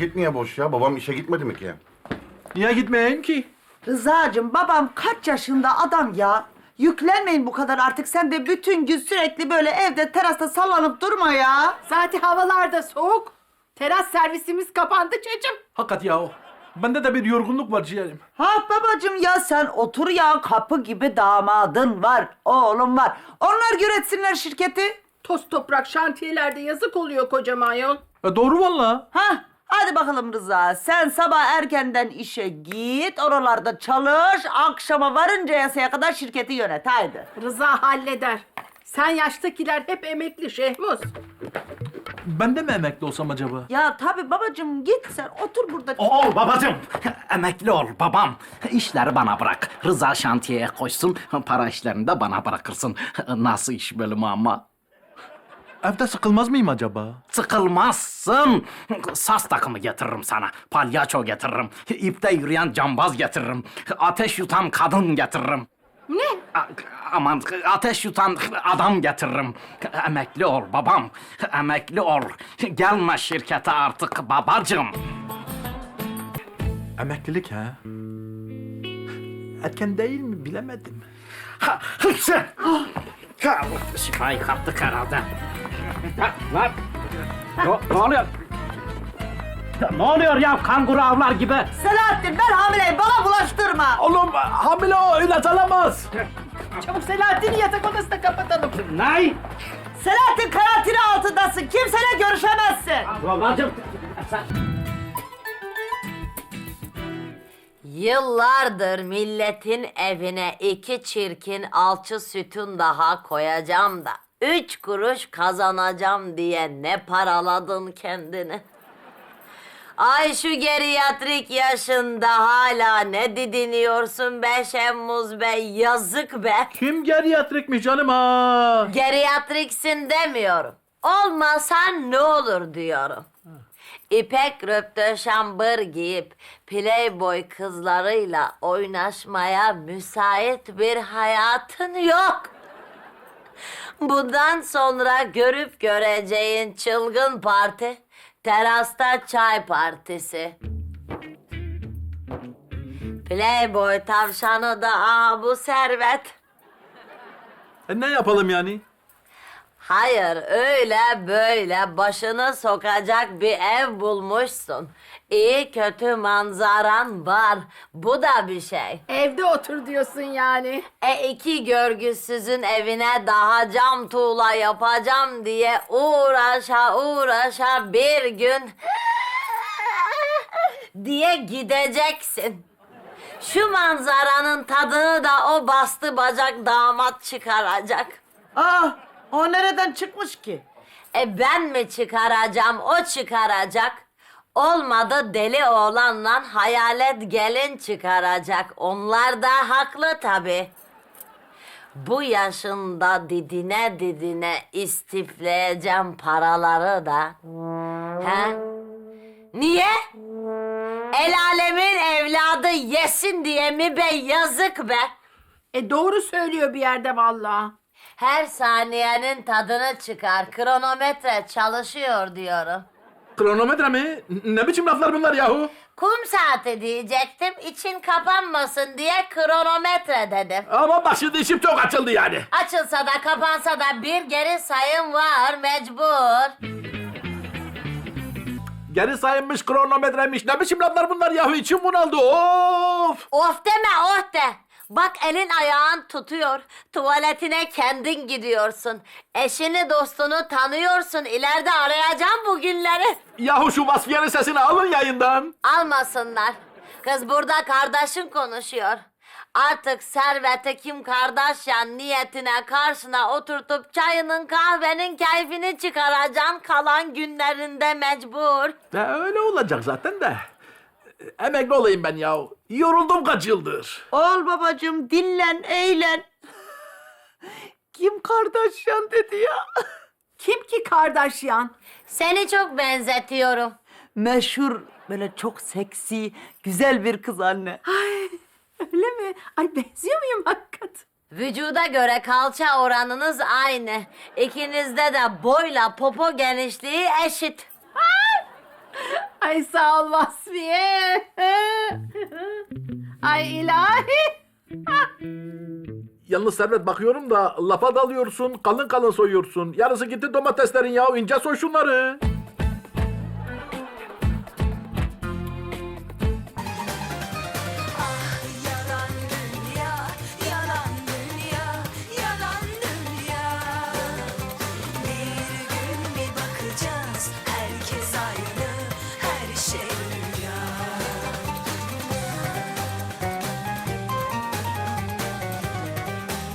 paket niye boş ya? Babam işe gitmedi mi ki? Niye gitmeyeyim ki? Rıza'cığım babam kaç yaşında adam ya? Yüklenmeyin bu kadar artık. Sen de bütün gün sürekli böyle evde terasta sallanıp durma ya. Zaten havalar da soğuk. Teras servisimiz kapandı çocuğum. Hakikat ya o. Bende de bir yorgunluk var ciğerim. Ha babacığım ya sen otur ya, kapı gibi damadın var, oğlum var. Onlar yönetsinler şirketi. Toz toprak şantiyelerde yazık oluyor kocaman yol. Doğru valla. Ha hadi bakalım Rıza, sen sabah erkenden işe git, oralarda çalış, akşama varıncaya kadar şirketi yönet, haydi. Rıza halleder. Sen yaştakiler hep emekli Şehmuz. Ben de mi emekli olsam acaba? Ya tabii babacığım, git sen otur burada. Ol babacığım. Emekli ol babam. İşleri bana bırak. Rıza şantiyeye koysun. Para işlerini de bana bırakırsın. Nasıl iş bölümü ama? Evde sıkılmaz mıyım acaba? Sıkılmazsın. Saz takımı getiririm sana. Palyaço getiririm. İpte yürüyen cambaz getiririm. Ateş yutan kadın getiririm. Ne? Aman ateş yutan adam getiririm. Emekli ol babam. Emekli ol. Gelme şirkete artık babacığım. Emeklilik ha? Erken değil mi bilemedim. Şifayı kaptık herhalde. Lan! Ne oluyor? Ne oluyor ya kanguru avlar gibi? Selahattin, ben hamileyim, bana bulaştırma. Oğlum hamile o ilaç alamaz. Çabuk Selahattin'i yatak odasına kapatalım. Ne? Selahattin karantina altındasın, kimseyle görüşemezsin. Babacığım sen... Yıllardır milletin evine 2 çirkin alçı sütun daha koyacağım da 3 kuruş kazanacağım diye ne paraladın kendini? Ay şu geriatrik yaşında hala ne didiniyorsun be Şemmuz Bey, yazık be. Kim geriatrikmiş canım ha? Geriatriksin demiyorum. Olmasan ne olur diyorum. İpek röptöşambır giyip playboy kızlarıyla oynaşmaya müsait bir hayatın yok. Bundan sonra görüp göreceğin çılgın parti, terasta çay partisi. Playboy tavşanı da bu servet. Ne yapalım yani? Hayır, öyle böyle başını sokacak bir ev bulmuşsun. İyi kötü manzaran var. Bu da bir şey. Evde otur diyorsun yani. 2 görgüsüzün evine daha cam tuğla yapacağım diye uğraşa bir gün diye gideceksin. Şu manzaranın tadını da o bastı bacak damat çıkaracak. Ah, o nereden çıkmış ki? Ben mi çıkaracağım, o çıkaracak. Olmadı deli oğlanla hayalet gelin çıkaracak. Onlar da haklı tabii. Bu yaşında didine didine istifleyeceğim paraları da. He? Niye? El alemin evladı yesin diye mi be, yazık be. Doğru söylüyor bir yerde vallahi. Her saniyenin tadını çıkar. Kronometre çalışıyor diyorum. Kronometre mi? Ne biçim laflar bunlar yahu? Kum saati diyecektim. İçin kapanmasın diye kronometre dedim. Ama bak şimdi işim çok açıldı yani. Açılsa da kapansa da bir geri sayım var mecbur. Geri sayılmış kronometremiş. Ne biçim laflar bunlar yahu? İçim bunaldı. Of! Of deme oh de. Bak elin ayağın tutuyor. Tuvaletine kendin gidiyorsun. Eşini dostunu tanıyorsun. İleride arayacağım bu günleri. Yahu şu Vasfiye'nin sesini alın yayından. Almasınlar. Kız burada kardeşin konuşuyor. Artık Servet'e Kim Kardashian niyetine karşına oturtup çayının kahvenin keyfini çıkaracaksın kalan günlerinde mecbur. Öyle olacak zaten de. Emekli olayım ben ya. Yoruldum kaç yıldır. Ol babacığım, dinlen, eğlen. Kim Kardashian dedi ya? Kim ki Kardashian? Seni çok benzetiyorum. Meşhur, böyle çok seksi, güzel bir kız anne. Öyle mi? Ay benziyor muyum hakikaten? Vücuda göre kalça oranınız aynı. İkinizde de boyla popo genişliği eşit. Ay sağ ol Vasfiye. Ay ilahi. Yalnız Servet bakıyorum da lafa dalıyorsun, kalın kalın soyuyorsun. Yarısı gitti domateslerin ya, ince soy şunları.